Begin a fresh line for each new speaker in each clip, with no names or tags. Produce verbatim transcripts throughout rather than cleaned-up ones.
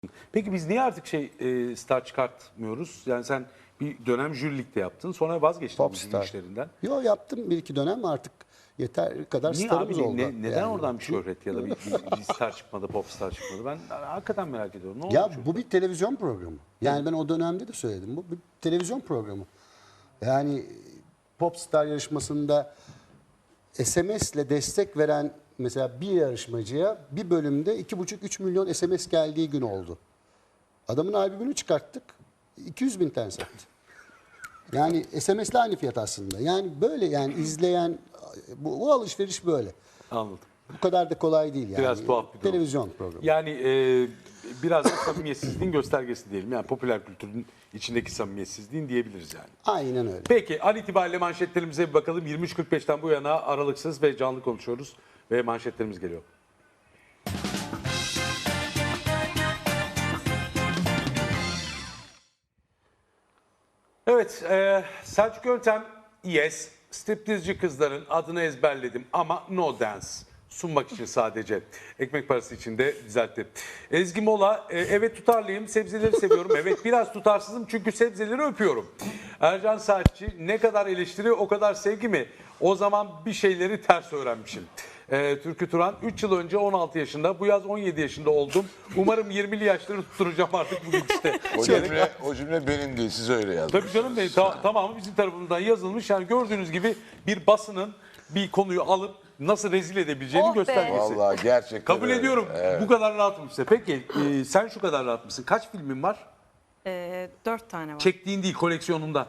Peki biz niye artık şey e, star çıkartmıyoruz? Yani sen bir dönem jürilikte yaptın, sonra vazgeçtin bu
Popstar.
işlerinden.
Yo, yaptım bir iki dönem, artık yeter kadar
Niye
starımız
abi?
oldu.
Ne- neden
yani.
oradan bir şöhret ya da bir, bir, bir star çıkmadı, popstar çıkmadı? Ben hakikaten merak ediyorum. Ne oldu
Ya
çok?
bu bir televizyon programı. Yani ben o dönemde de söyledim. Bu bir televizyon programı. Yani Popstar yarışmasında S M S ile destek veren mesela bir yarışmacıya bir bölümde iki buçuk üç milyon S M S geldiği gün oldu. Adamın albümünü çıkarttık. iki yüz bin tane sattı. Yani S M S'le aynı fiyat aslında. Yani böyle, yani izleyen bu, bu alışveriş böyle.
Anladım.
Bu kadar da kolay değil yani.
Biraz tuhaf bir durum.
Televizyon programı.
Yani e, biraz da samimiyetsizliğin göstergesi diyelim. Yani popüler kültürün içindeki samimiyetsizliğin diyebiliriz yani.
Aynen öyle.
Peki an itibariyle manşetlerimize bir bakalım. yirmi üç kırk beşten bu yana aralıksız ve canlı konuşuyoruz ve manşetlerimiz geliyor. Evet, e, Selçuk Yöntem, yes, striptizci kızların adını ezberledim ama no dance. Sunmak için sadece. Ekmek parası için de düzeltti. Ezgi Mola, e, evet tutarlıyım, sebzeleri seviyorum. Evet biraz tutarsızım çünkü sebzeleri öpüyorum. Ercan Saatçi, ne kadar eleştiri o kadar sevgi mi? O zaman bir şeyleri ters öğrenmişim. E, Türkü Turan, üç yıl önce on altı yaşında, bu yaz on yedi yaşında oldum. Umarım yirmili yaşları tutturacağım artık bugün işte.
O cümle, o cümle benim değil, siz öyle yazdınız.
Tabii canım benim, ta- tamamı bizim tarafımızdan yazılmış. Yani gördüğünüz gibi bir basının bir konuyu alıp nasıl rezil edebileceğini
Oh be.
göstergesi.
Vallahi gerçekten
Kabul
öyle.
ediyorum.
Evet.
Bu kadar rahatım işte. Peki e, sen şu kadar rahat mısın? Kaç filmin var?
Ee, dört tane var.
Çektiğin değil, koleksiyonunda.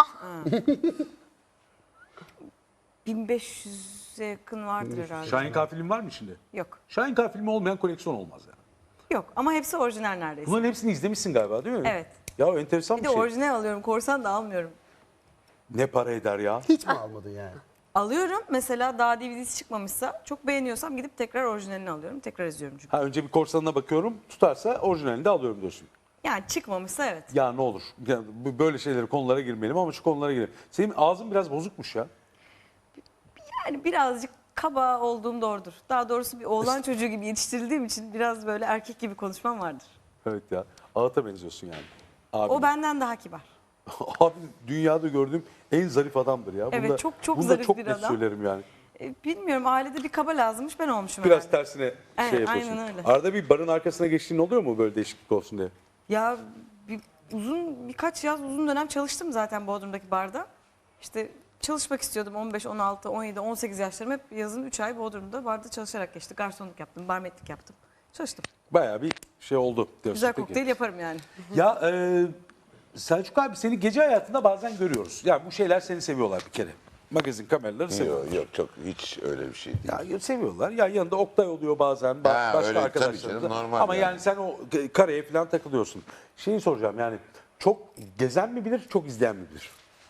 bin beş yüze yakın vardır herhalde.
Şahin K filmi var mı içinde?
Yok.
Şahin K filmi olmayan koleksiyon olmaz yani.
Yok ama hepsi orijinal neredeyse.
Bunların hepsini izlemişsin galiba değil mi?
Evet.
Ya enteresan
Bir
bir,
de
şey.
orijinal alıyorum. Korsan da almıyorum.
Ne para eder ya?
Hiç mi almadın yani?
Alıyorum. Mesela daha D V D'si çıkmamışsa çok beğeniyorsam gidip tekrar orijinalini alıyorum. Tekrar izliyorum çünkü.
Ha, önce bir korsanına bakıyorum, tutarsa orijinalini de alıyorum diyorsun.
Yani çıkmamışsa evet.
Ya ne olur. Ya, bu- böyle şeyleri, konulara girmeyelim ama şu konulara girelim. Senin ağzın biraz bozukmuş ya.
Yani birazcık kaba olduğum doğrudur. Daha doğrusu bir oğlan çocuğu gibi yetiştirildiğim için biraz böyle erkek gibi konuşmam vardır.
Evet ya. Ağıt'a benziyorsun yani. Abi.
O benden daha kibar.
Abi dünyada gördüğüm en zarif adamdır ya.
Evet,
Bunu da-
çok çok
bunu da
zarif
çok
bir
net
adam.
söylerim yani.
E, bilmiyorum, ailede bir kaba lazımmış, ben olmuşum
Biraz
herhalde.
tersine
Evet,
şey yapıyorsun.
aynen öyle.
Arada bir barın arkasına geçtiğin oluyor mu böyle değişiklik olsun diye?
Ya bir, uzun birkaç yaz uzun dönem çalıştım zaten Bodrum'daki barda. İşte çalışmak istiyordum on beş, on altı, on yedi, on sekiz yaşlarım hep yazın üç ay Bodrum'da barda çalışarak geçti. Garsonluk yaptım, barmetlik yaptım. Çalıştım.
Bayağı bir şey oldu diyorsun.
Güzel
Peki.
kokteyl yaparım yani.
Ya e, Selçuk abi seni gece hayatında bazen görüyoruz. Yani bu şeyler seni seviyorlar bir kere. Magazin kameraları seviyorlar.
Yok yok, çok hiç öyle bir şey değil.
Ya seviyorlar. Ya yanında Oktay oluyor bazen. ba-
Ha,
başka
öyle,
arkadaşlar.
tabii
da.
canım, normal
Ama
yani.
yani sen o kareye falan takılıyorsun. Şeyi soracağım yani çok gezen mi bilir, çok izleyen mi bilir?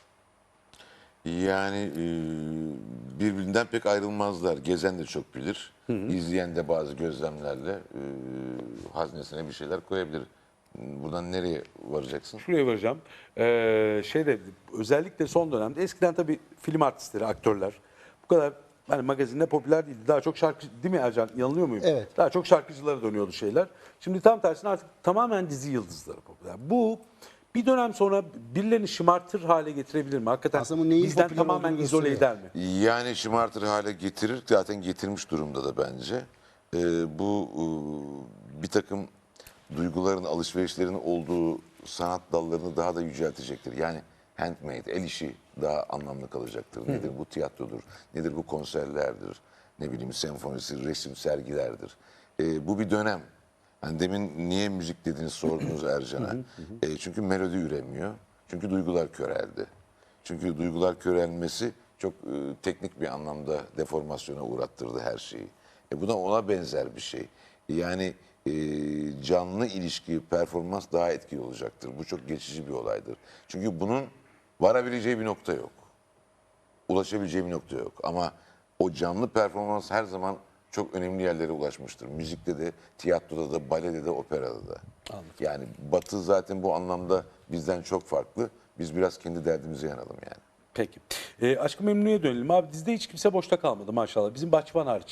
Yani e, birbirinden pek ayrılmazlar. Gezen de çok bilir. İzleyen de bazı gözlemlerle e, haznesine bir şeyler koyabilir. Buradan nereye varacaksın?
Şuraya varacağım. Ee, şeyde özellikle son dönemde eskiden tabii film artistleri, aktörler bu kadar hani magazinde popüler değildi. Daha çok şarkı değil mi Ercan? Yanılıyor muyum?
Evet.
Daha çok şarkıcılara dönüyordu şeyler. Şimdi tam tersine artık tamamen dizi yıldızları popüler. Bu bir dönem sonra birilerini şımartır hale getirebilir mi? Hakikaten
Aslında bu neyin
bizden
popüler
tamamen
olduğunu
izole
gösteriyor.
eder mi?
Yani şımartır hale getirir. Zaten getirmiş durumda da bence. E, bu e, bir takım duyguların, alışverişlerin olduğu sanat dallarını daha da yüceltecektir. Yani handmade, el işi daha anlamlı kalacaktır. Nedir bu tiyatrodur, nedir bu konserlerdir, ne bileyim senfonisi, resim, sergilerdir. Ee, bu bir dönem. Hani demin niye müzik dediğini sordunuz Ercan'a. Ee, çünkü melodi üremiyor. Çünkü duygular köreldi. Çünkü duygular körelmesi çok e, teknik bir anlamda deformasyona uğrattırdı her şeyi. E, bu da ona benzer bir şey. Yani e, canlı ilişki, performans daha etkili olacaktır. Bu çok geçici bir olaydır. Çünkü bunun varabileceği bir nokta yok. Ulaşabileceği bir nokta yok. Ama o canlı performans her zaman çok önemli yerlere ulaşmıştır. Müzikte de, tiyatroda da, balede de, operada da. Yani Batı zaten bu anlamda bizden çok farklı. Biz biraz kendi derdimize yanalım yani.
Peki. E, Aşk-ı Memnu'ya dönelim. Abi dizide hiç kimse boşta kalmadı maşallah. Bizim Bahçıvan hariç.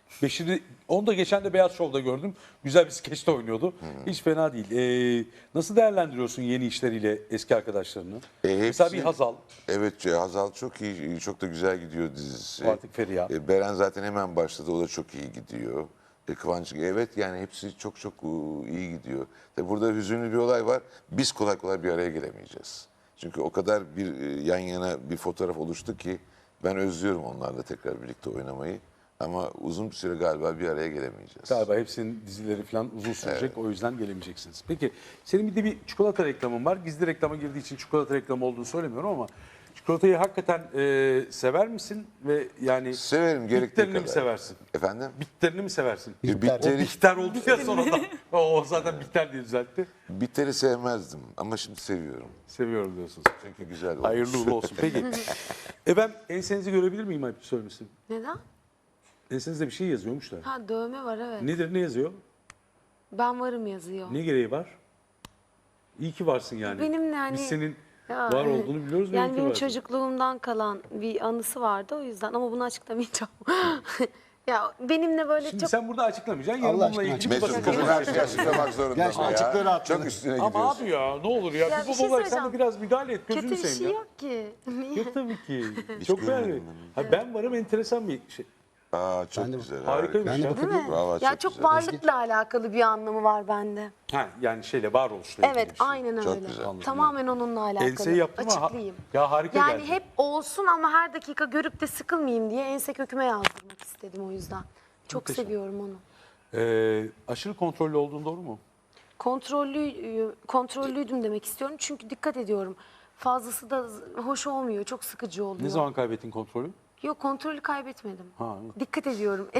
Beşir'i, onu da geçen de Beyaz Şov'da gördüm. Güzel bir skeçte oynuyordu. Hiç fena değil. Ee, nasıl değerlendiriyorsun yeni işleriyle eski arkadaşlarını?
E,
Mesela bir
hepsi-
Hazal,
Evet, e, Hazal çok iyi, çok da güzel gidiyor dizisi.
Artık Feriha.
E, Beren zaten hemen başladı, o da çok iyi gidiyor. E, Kıvanç, evet yani hepsi çok çok e, iyi gidiyor. Tabii burada hüzünlü bir olay var. Biz kolay kolay bir araya gelemeyeceğiz. Çünkü o kadar bir e, yan yana bir fotoğraf oluştu ki ben özlüyorum onlarla tekrar birlikte oynamayı. Ama uzun bir süre galiba bir araya gelemeyeceğiz.
galiba hepsinin dizileri falan uzun sürecek. O yüzden gelemeyeceksiniz. Peki senin bir de bir çikolata reklamın var. Gizli reklama girdiği için çikolata reklamı olduğunu söylemiyorum ama çikolatayı hakikaten e, sever misin? Ve yani
Severim, gerektiği
bitlerini
kadar.
mi seversin?
Efendim?
Bitlerini mi seversin?
E,
Bitter.
O
Bitteri,
bitter oldu ya sonradan. o zaten bitter diye düzeltti.
bitteri sevmezdim ama şimdi seviyorum.
Seviyorum diyorsunuz.
Çünkü güzel olmuş.
Hayırlı uğurlu olsun. Peki. Efendim ensenizi görebilir miyim ayıp söylemişsin?
Neden?
Ensenizde bir şey yazıyormuş da.
Ha dövme var evet.
Nedir, ne yazıyor?
Ben varım yazıyor.
Ne gereği var? İyi ki varsın yani.
Benim yani-
Biz senin
Ya,
var olduğunu biliyoruz ve iyi
Yani
ki
benim
varsın.
çocukluğumdan kalan bir anısı vardı o yüzden ama bunu açıklamayacağım. Ya benimle böyle
Şimdi
çok
sen burada açıklamayacaksın. Yarın
Allah
bununla
aşkına
ilgili bir
Mesut
basın
kızım her
konuşması
şeyi açıklamak zorunda
Gerçekten
mı
açıkları
ya?
atladı.
Çok üstüne
Ama
gidiyorsun.
abi ya ne olur ya.
Ya
bir
bir
baba
şey
olarak sen de
söyleyeceğim.
biraz müdahale et. Gözünü
kötü bir
seveyim
şey
ya.
yok ki. Niye?
Yok tabii ki. Çok
görmedim
beğendim. Ha, ben varım enteresan bir şey.
Aa, çok
Ben de-
güzel.
Harikaymış
harika.
ya.
Değil mi?
Vallahi
ya
çok
çok
güzel.
varlıkla alakalı bir anlamı var bende.
Ha, yani şeyle varoluşla ilgili
Evet
bir şey.
aynen
Çok
öyle.
güzel. Anladım.
Tamamen onunla alakalı.
Enseyi yaptım ama ha-
Açıklayayım.
ya harika
Yani
geldi.
hep olsun ama her dakika görüp de sıkılmayayım diye ense köküme yazdırmak istedim o yüzden. Çok
Muhteşem.
seviyorum onu.
Ee, aşırı kontrollü olduğun doğru mu?
Kontrollü kontrollüydüm demek istiyorum çünkü dikkat ediyorum. Fazlası da hoş olmuyor, çok sıkıcı oluyor.
Ne zaman kaybettin kontrolü?
Yok kontrolü kaybetmedim.
Ha, evet.
Dikkat ediyorum.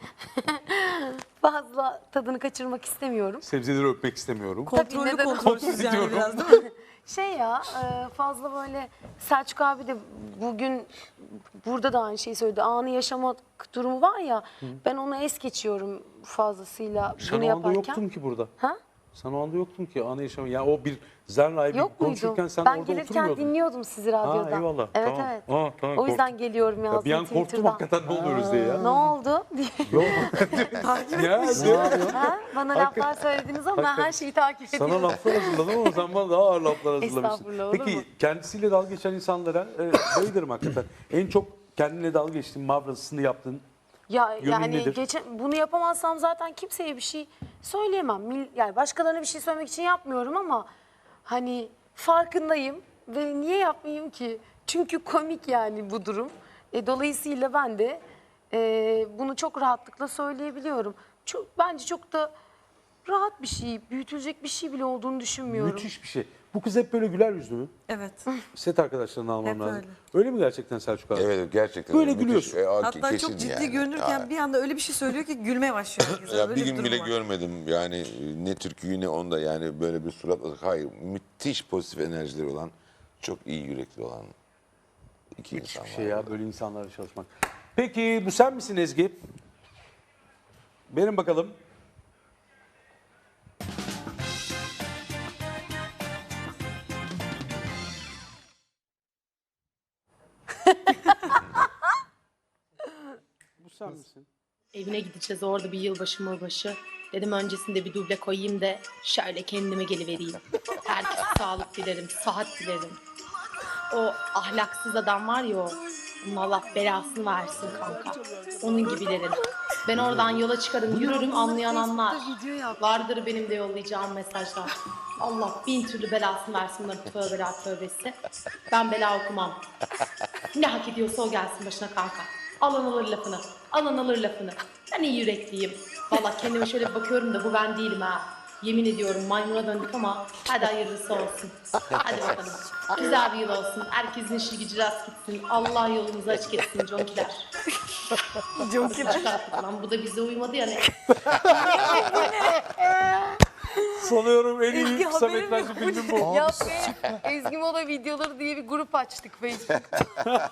Fazla tadını kaçırmak istemiyorum.
Sebzeleri öpmek istemiyorum.
Kontrollü
neden
kontrolsüz yani
diyorum.
biraz değil mi?
Şey ya e, fazla böyle Selçuk abi de bugün burada da aynı şeyi söyledi. Anı yaşamak durumu var ya ben onu es geçiyorum fazlasıyla
Sen
bunu
o anda
yaparken.
yoktum ki burada.
Ha?
Sen o anda yoktun ki anı yaşamı. Ya o bir Zerna'yı bir
Yok
konuşurken
muydum?
sen
Ben
orada
gelirken
oturmuyordun.
dinliyordum sizi radyoda.
Ha, eyvallah,
Evet
tamam.
evet.
Aa, tamam,
o yüzden
korktum.
geliyorum yazdım
Ya bir an korktum
Twitter'dan.
hakikaten ne oluyoruz diye ya.
Ne oldu? diye.
Yok. ya,
Ha? Bana laflar söylediniz ama ben
Hakikaten.
her şeyi takip ediyorum.
sana laflar hazırladım ama sen bana daha ağır laflar hazırlamışsın.
Estağfurullah, olur
Peki
mu?
kendisiyle dalga geçen insanlara e, bayılırım hakikaten. En çok kendine dalga geçtiğin, mavrasını yaptığın.
Ya
Yönün
yani
nedir?
geçen bunu yapamazsam zaten kimseye bir şey söyleyemem. Mil- Yani başkalarına bir şey söylemek için yapmıyorum ama hani farkındayım ve niye yapmayayım ki? Çünkü komik yani bu durum. E, dolayısıyla ben de e, bunu çok rahatlıkla söyleyebiliyorum. Çok bence çok da rahat bir şey, büyütülecek bir şey bile olduğunu düşünmüyorum.
Müthiş bir şey. Bu kız hep böyle güler yüzlü mü?
Evet.
Set arkadaşlarını almam
Hep
lazım.
öyle.
Öyle mi gerçekten Selçuk abi?
Evet gerçekten.
Böyle
müthiş.
gülüyorsun.
E, a-
Hatta
kesin
çok ciddi
yani.
görünürken
Ha.
bir anda öyle bir şey söylüyor ki gülmeye başlıyor herkes.
Ya
Öyle
bir gün
durum
bile
var.
görmedim yani e, ne türküyü ne onda yani böyle bir suratla hayır müthiş pozitif enerjileri olan çok iyi yürekli olan iki insan
Bir
var.
şey ya böyle insanlarla çalışmak. Peki bu sen misin Ezgi? Benim bakalım. Bu sen misin?
Evine gideceğiz orada bir yılbaşı mılbaşı. Dedim öncesinde bir duble koyayım da şöyle kendime gelivereyim. Herkese sağlık dilerim, sıhhat dilerim. O ahlaksız adam var ya o. Onun Allah belasını versin kanka. Onun gibilerin. Ben oradan yola çıkarım, yürürüm anlayan anlar.
Video yap.
Vardır benim de yollayacağım mesajlar. Allah bin türlü belasını versin bunların tövbeler tövbesi. Ben bela okumam. Ne hak ediyorsa o gelsin başına kanka. Alan alır lafını. Alan alır lafını. Ben iyi yürekliyim. Valla kendime şöyle bir bakıyorum da bu ben değilim ha. Yemin ediyorum maymuna döndük ama hadi hayırlısı olsun. Hadi bakalım. Güzel bir yıl olsun. Herkesin işi gücü rast gitsin. Allah yolumuzu açık etsin conkiler. Conkiler. Lan bu da bize uymadı ya ne?
Sanıyorum en iyi
Ezgi,
kısa
haberin
metrajlı
yok.
filmim bu.
Ya be, Ezgi Mola videoları diye bir grup açtık Facebook'ta.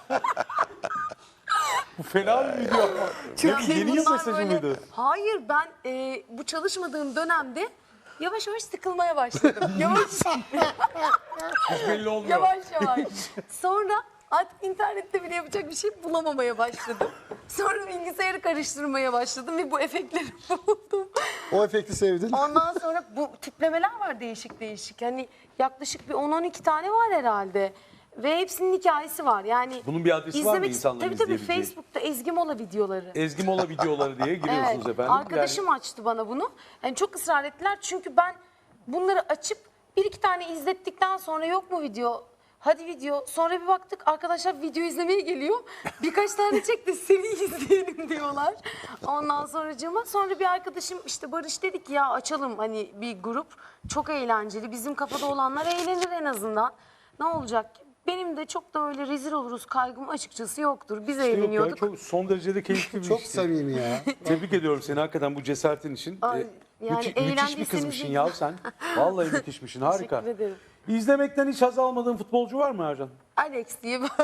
Bu fena bir video ama.
Çok
Yeni
iyi.
yıl
Bunlar
mesajı
böyle-
mıydı?
Hayır ben e, bu çalışmadığım dönemde yavaş yavaş sıkılmaya başladım. Yavaş
Hiç belli olmuyor.
yavaş yavaş. Sonra Artık internette bile yapacak bir şey bulamamaya başladım. Sonra bilgisayarı karıştırmaya başladım ve bu efektleri buldum.
O efekti sevdin.
Ondan sonra bu tiplemeler var değişik değişik. Hani yaklaşık bir on on iki tane var herhalde. Ve hepsinin hikayesi var. Yani
Bunun bir adresi var mı
izlemek-
insanların
Tabii tabii
izleyebileceği?
Facebook'ta Ezgi Mola videoları.
Ezgi Mola videoları diye giriyorsunuz
Evet,
efendim.
arkadaşım açtı bana bunu. Yani çok ısrar ettiler çünkü ben bunları açıp bir iki tane izlettikten sonra yok mu video? Hadi video. Sonra bir baktık arkadaşlar video izlemeye geliyor. Birkaç tane çekti seni izleyelim diyorlar. Ondan sonracığıma sonra bir arkadaşım işte Barış dedi ki ya açalım hani bir grup. Çok eğlenceli. Bizim kafada olanlar eğlenir en azından. Ne olacak ki? Benim de çok da öyle rezil oluruz kaygım açıkçası yoktur. Biz
Yok ya,
eğleniyorduk.
çok son derecede keyifli bir
Çok
işti.
samimi ya.
Tebrik ediyorum seni hakikaten bu cesaretin için.
Ay,
Ee,
yani
müthi- müthiş bir
eğlendiyseniz
kızmışsın
iyi.
ya sen. Vallahi müthişmişsin, harika.
Teşekkür ederim.
İzlemekten hiç haz almadığın futbolcu var mı Ercan?
Alex diye böyle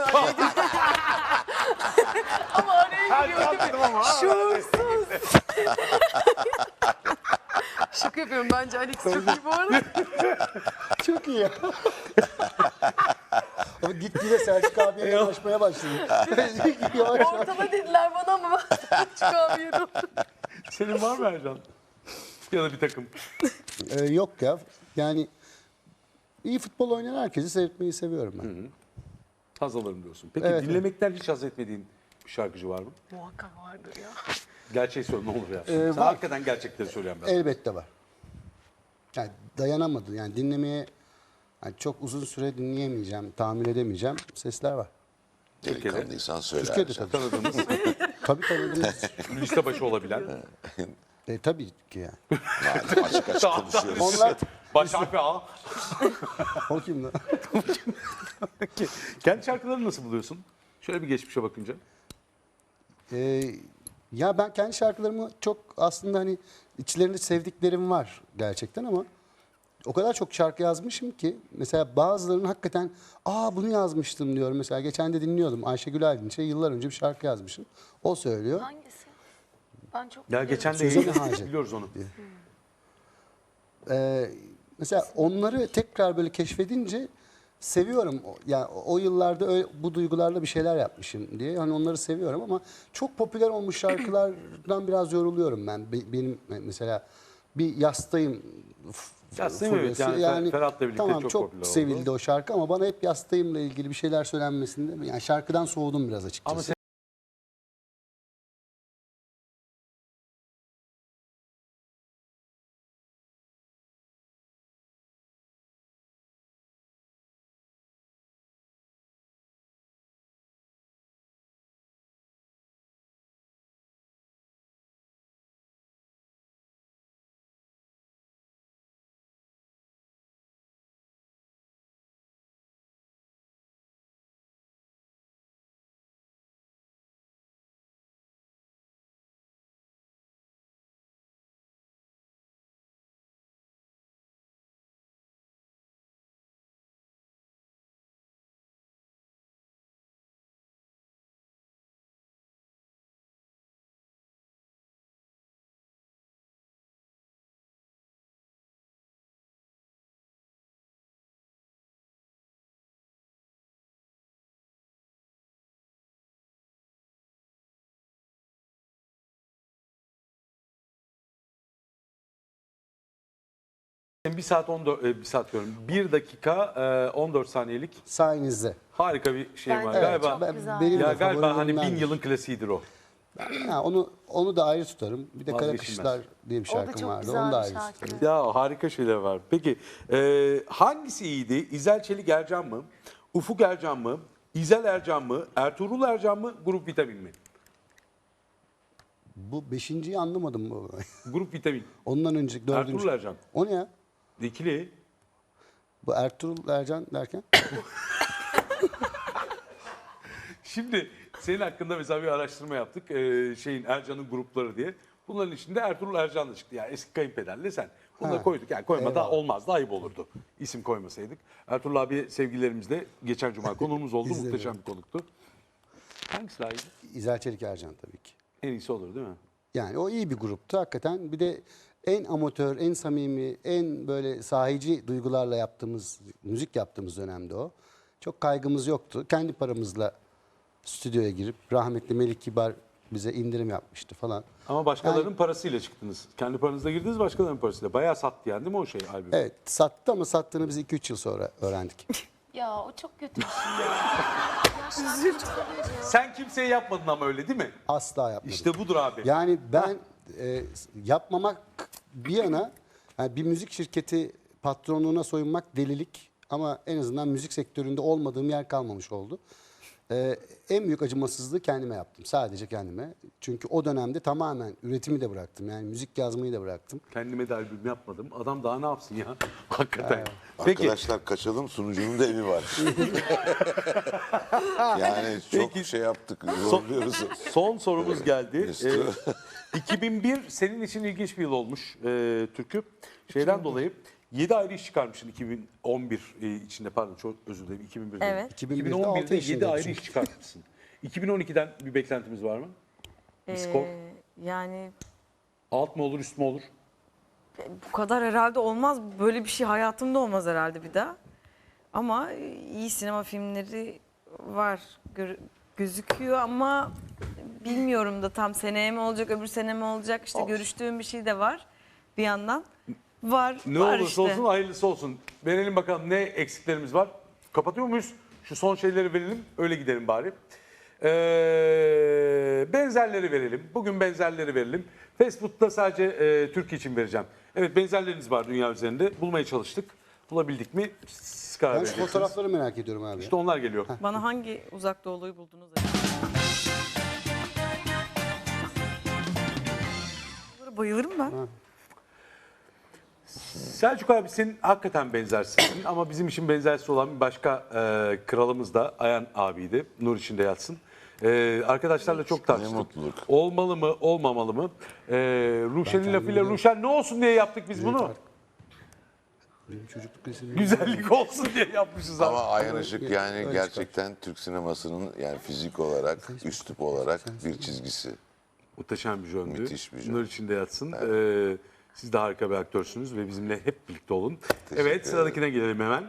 ama araya giriyor. Şuursuz. Şaka yapıyorum bence Alex çok iyi bu arada.
Çok iyi ya. Ama gitgide Selçuk abiye yanaşmaya başladı. Yavaş yavaş.
Ortala dediler bana ama ben çıkamıyorum.
Senin var mı Ercan? Ya da bir takım.
Ee, yok ya. Yani iyi futbol oynayan herkesi seyretmeyi seviyorum ben.
Haz alırım diyorsun. Peki
Evet,
dinlemekten hiç haz etmediğin bir şarkıcı var mı?
Muhakkak vardır ya.
Gerçeği söyle ne olur ya.
Ee,
Sen
var.
hakikaten gerçekleri söyleyen ben.
Elbette var. Yani dayanamadı. Yani dinlemeye yani çok uzun süre dinleyemeyeceğim, tahammül edemeyeceğim sesler var.
Delikanlıysan söyle.
Türkiye'de
Ercan.
tabii.
Tanıdığımız
Tabii tanıdığımız.
liste başı olabilen.
e, tabii ki yani.
Madem açık açık konuşuyoruz.
Onlar
Baş harfi A.
o kim lan?
Peki, kendi şarkılarını nasıl buluyorsun? Şöyle bir geçmişe bakınca.
Ee, ya ben kendi şarkılarımı çok aslında hani içlerinde sevdiklerim var gerçekten ama o kadar çok şarkı yazmışım ki mesela bazılarının hakikaten aa bunu yazmıştım diyorum. Mesela geçen de dinliyordum Ayşegül Aydınç'a yıllar önce bir şarkı yazmışım. O söylüyor.
Hangisi? Ben çok
Ya
biliyorum.
geçen de
Sözün
yayın
Hacı.
biliyoruz onu.
Ee, mesela onları tekrar böyle keşfedince seviyorum. O- Yani o yıllarda öyle, bu duygularla bir şeyler yapmışım diye. Hani onları seviyorum ama çok popüler olmuş şarkılardan biraz yoruluyorum ben. Be- Benim mesela bir yastayım. f-
Yastayım, evet.
furyası.
Yani Fer- Ferhat'la birlikte
tamam,
çok
çok
popüler oldu.
sevildi o şarkı ama bana hep yastayımla ilgili bir şeyler söylenmesinde yani şarkıdan soğudum biraz açıkçası.
Ama sen bir saat on dört, e, bir saat diyorum. bir dakika e, on dört saniyelik
Sayenizde.
harika bir şey
Ben-
var.
Evet,
galiba
çok
Ben-
güzel.
benim
ya
de
galiba hani bin
favorilerimdendir.
yılın klasiğidir o.
Ha, onu onu da ayrı tutarım. Bir de Kara
Vazgeçilmez.
Kışlar diye bir
O da
şarkım
çok
vardı.
güzel
Onu da
bir
ayrı
şarkı.
tutarım.
Ya harika şeyler var. Peki e, hangisi iyiydi? İzel Çelik Ercan mı? Ufuk Ercan mı? İzel Ercan mı? Ertuğrul Ercan mı? Grup Vitamin mi?
Bu beşinciyi anlamadım bu.
Grup Vitamin.
Ondan önceki dördüncü.
Ertuğrul Ercan.
O ne ya?
İkili.
Bu Ertuğrul Ercan derken?
Şimdi senin hakkında mesela bir araştırma yaptık. Ee, şeyin Ercan'ın grupları diye. Bunların içinde Ertuğrul Ercan da çıktı. Yani eski kayınpederle sen. Bunu da
Ha.
koyduk. Yani koyma da
Eyvallah.
olmazdı. Ayıp olurdu. İsim koymasaydık. Ertuğrul abi sevgilerimizle geçen cuma konuğumuz oldu.
İzledim.
Muhteşem bir konuktu. Hangisi daha iyiydi?
İzel Çelik Ercan tabii ki.
En iyisi olur değil mi?
Yani o iyi bir gruptu hakikaten. Bir de en amatör, en samimi, en böyle sahici duygularla yaptığımız, müzik yaptığımız dönemde o. Çok kaygımız yoktu. Kendi paramızla stüdyoya girip rahmetli Melik Kibar bize indirim yapmıştı falan.
Ama başkalarının parasıyla çıktınız. Kendi paranızla girdiniz, başkalarının parasıyla. Bayağı sattı yani değil mi o şey albüm?
Evet sattı ama sattığını biz iki üç yıl sonra öğrendik.
Ya o çok kötü bir şey ya.
Sen kimseye yapmadın ama öyle değil mi?
Asla yapmadık.
İşte budur abi.
Yani ben e, yapmamak bir yana yani bir müzik şirketi patronluğuna soyunmak delilik ama en azından müzik sektöründe olmadığım yer kalmamış oldu. E, en büyük acımasızlığı kendime yaptım. Sadece kendime. Çünkü o dönemde tamamen üretimi de bıraktım. Yani müzik yazmayı da bıraktım.
Kendime de albüm yapmadım. Adam daha ne yapsın ya? Hakikaten. Peki.
Arkadaşlar kaçalım, sunucunun da evi var. yani çok
Peki.
şey yaptık, zorluyoruz.
Son sorumuz geldi.
Mesut.
Ee, iki bin bir senin için ilginç bir yıl olmuş e, Türkü. Şeyden dolayı yedi ayrı iş çıkarmışsın iki bin on bir e, içinde, pardon çok özür dilerim, iki bin birde.
Evet.
iki bin birde altı
iki bin on birde yedi
yaşındaydım
ayrı
çünkü.
iş çıkartmışsın. iki bin on ikiden bir beklentimiz var mı? Bir skor.
Ee, yani
Alt mı olur, üst mü olur?
bu kadar herhalde olmaz. Böyle bir şey hayatımda olmaz herhalde bir daha. Ama iyi sinema filmleri var. Gör- gözüküyor ama bilmiyorum da tam seneye mi olacak, öbür sene mi olacak? İşte görüştüğüm bir şey de var bir yandan. Var,
Ne
var
olursa
işte.
olsun hayırlısı olsun. Verelim bakalım ne eksiklerimiz var. Kapatıyor muyuz? Şu son şeyleri verelim, öyle gidelim bari. Ee, benzerleri verelim. Bugün benzerleri verelim. Facebook'ta sadece e, Türkiye için vereceğim. Evet, benzerleriniz var dünya üzerinde. Bulmaya çalıştık. Bulabildik mi? Siz karar
Ben şu
vereceksiniz.
fotoğrafları merak ediyorum abi.
İşte onlar geliyor.
Bana hangi uzak doğuluyu buldunuz acaba? Bunlara bayılırım ben.
Selçuk abi senin hakikaten benzersin ama bizim için benzersiz olan bir başka e, kralımız da Ayhan abiydi. Nur içinde yatsın. E, arkadaşlarla çok tartıştık.
mutluluk.
Olmalı mı, olmamalı mı? E, Ruşen'in lafıyla Ruşen ne olsun diye yaptık biz bunu.
Benim çocukluk resimlerim.
Güzellik olsun diye yapmışız abi.
Ama Ayhan Işık
Öyle
yani
çıkar.
gerçekten Türk sinemasının yani fizik olarak, üslup olarak bir çizgisi.
Muhteşem bir jöndü.
Müthiş bir jön.
Nur içinde yatsın. E, siz de harika bir aktörsünüz ve bizimle hep birlikte olun. Evet,
ederim.
sıradakine gelelim hemen.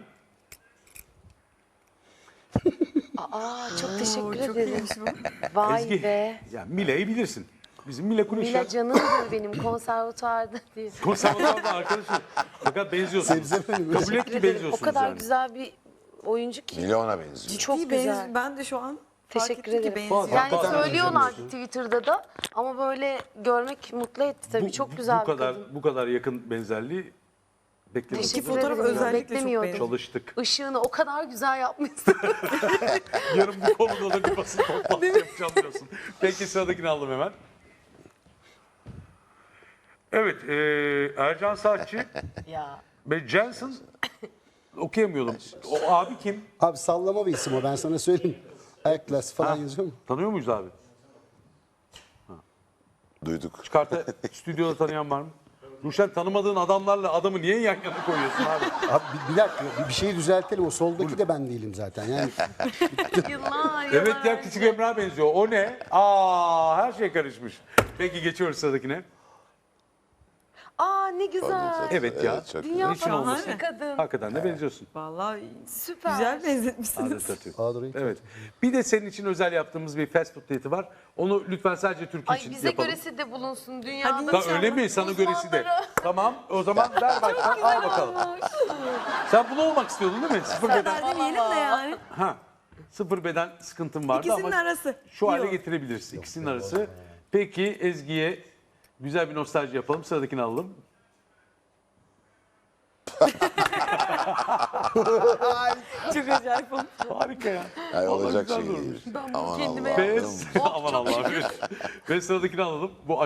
Aa çok teşekkür
Çok
ederim.
iyiymiş bu.
Vay
Ezgi.
be.
Ya Mile'yi bilirsin. Bizim Mile Kunişler.
Mila canımdır benim konservatuarda diye.
Konservatuvarda arkadaşım. Fakat benziyorsun.
Sebze mi?
Kabul et ki
Teşekkür ederim. O
benziyorsunuz
kadar
yani.
güzel bir oyuncu ki.
Milyona benziyor.
Çok
İyi
güzel.
benzi- Ben de şu an fark
Teşekkür
ettim ki
ederim.
benziyor.
Yani
Hakikaten
söylüyorlardı Twitter'da da ama böyle görmek mutlu etti tabii.
Bu-
Çok güzel
bu
bir
kadar,
kadın.
Bu kadar yakın benzerliği beklemedik.
Teşekkür
fotoğraf
ederim.
özellikle çok
Beklemiyordum.
beğendim.
Çalıştık.
Işığını o kadar güzel yapmışsın.
Yarın bu konuda da bir basın toplantısı yapacağım diyorsun. Peki sıradakini aldım hemen. Evet, e, Ercan Saatçi
ya.
ve Jensen okuyamıyordum. O abi kim?
Abi sallama bir isim o ben sana söyleyeyim. Ayaklas falan yazıyor mu?
Tanıyor muyuz abi?
Duyduk.
Çıkarta stüdyoda tanıyan var mı? Ruşen, tanımadığın adamlarla adamı niye yan yana koyuyorsun abi?
Abi bir, bir dakika bir, bir şeyi düzeltelim. O soldaki de ben değilim zaten. Yani
Yıllar yıllar.
Evet ya, Küçük Emrah benziyor. O ne? Aa, her şey karışmış. Peki geçiyoruz sıradakine.
Aa ne güzel.
Evet ya.
çok
Dünya
Niçin olmasın?
tatlısı bir kadın.
Hakikaten de benziyorsun.
Vallahi
Süper.
güzel benzetmişsiniz.
Adet atıyor.
Aa,
Evet. Bir de senin için özel yaptığımız bir fast food diyeti var. Onu lütfen sadece Türkiye
Ay
için
bize
yapalım.
göresi de bulunsun dünyada.
Ha, öyle mi? Sana göresi de.
Uzmanlara.
Tamam. O zaman ver baştan. Al bakalım. Sen bunu olmak istiyordun değil mi? Sıfır beden.
Ben demeyelim de yani.
Ha. Sıfır beden sıkıntın vardı
İkisinin
ama
arası.
şu hale
Yok.
getirebiliriz. İkisinin arası. Peki Ezgi'ye güzel bir nostalji yapalım. Sıradakini alalım.
Çok acayip olmuş.
Harika ya.
Yani
Vallahi
olacak
güzel
şey
durmuş.
değil.
Ben bunu
Aman
kendime
Allah'ım.
Ve, aman Allah'ım. Ve sıradakini alalım. Bu